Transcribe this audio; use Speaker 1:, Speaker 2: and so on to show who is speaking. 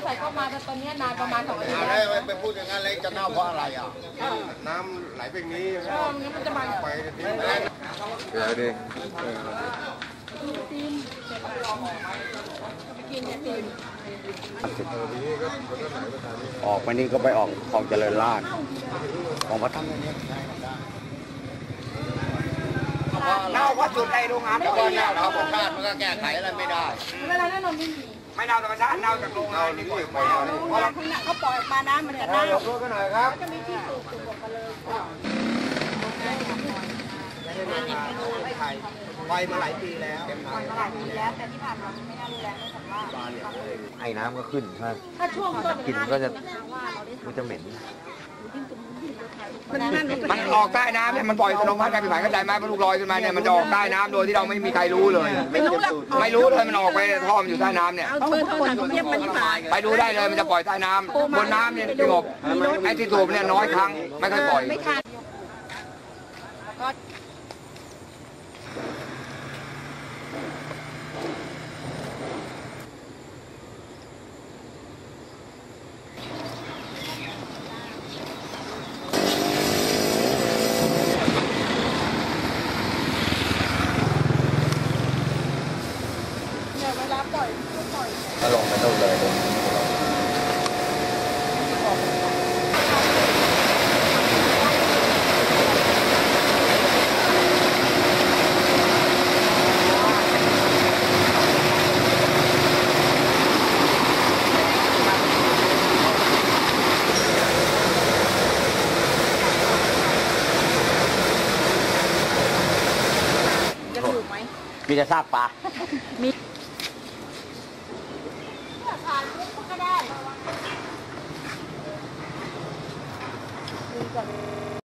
Speaker 1: ร่เข้ามาแต่ตอนนี้นานประมาณ2 อาทิตย์
Speaker 2: แล้วไปพูดอย่างนั้นเลยจะเน่าเพราะอะไรอ่ะน้ำไหลไปนี้
Speaker 1: งั้นมันจะมา
Speaker 2: ไปทีเดี๋ยวดิ
Speaker 1: ตีนไปกินเนี่ยตีน
Speaker 3: ออกไปนี่ก็ไปออกของเจริญราษฎร์ของพระท่านนี้
Speaker 4: เน่าเพราะจุดในโรงงาน
Speaker 2: แล้วก็เน่าธรรมชาติมันก็แก้ไขอะไรไม่ได้
Speaker 1: เวลานั้นเราไม่มี
Speaker 4: ไม่เน่าธรรมชาติเน่าจากโรงงานนี่ปล่อยไป
Speaker 1: เวลาคุณเขาปล่อยออกมาน้ำมันจะเน่ายก
Speaker 2: กันหน่อยครับ
Speaker 1: จะมีที่สูบออกมาเลย
Speaker 4: ปล่อยมาหลายปีแล้ว
Speaker 1: แต่ที่ผ่านมาไม่น่ารุนแรงเนื่องจากว่า
Speaker 3: ไอ้น้ำก็ขึ้นใช่
Speaker 1: ถ้าช่วงต้น
Speaker 3: กลิ่นก็จะเหม็น
Speaker 4: มันออกใต้น้ำเนี่ยมันปล่อยสนองพัดการผิวหนังเข้าใจไหมพอลูกลอยขึ้นมาเนี่ยมันจะออกใต้น้ำโดยที่เราไม่มีใครรู้เลยไม่รู้เลยมันออกไปท่อมอยู่ใต้น้ำเนี่ยไปดูได้เลยมันจะปล่อยใต้น้ำบนน้ำเนี่ยสงบไอ้ที่สูบเนี่ยน้อยครั้งไม่ค่อยปล่อย
Speaker 3: ก็ลงไปนู่นเลยมีแต่ซากปลา
Speaker 1: ก็ได้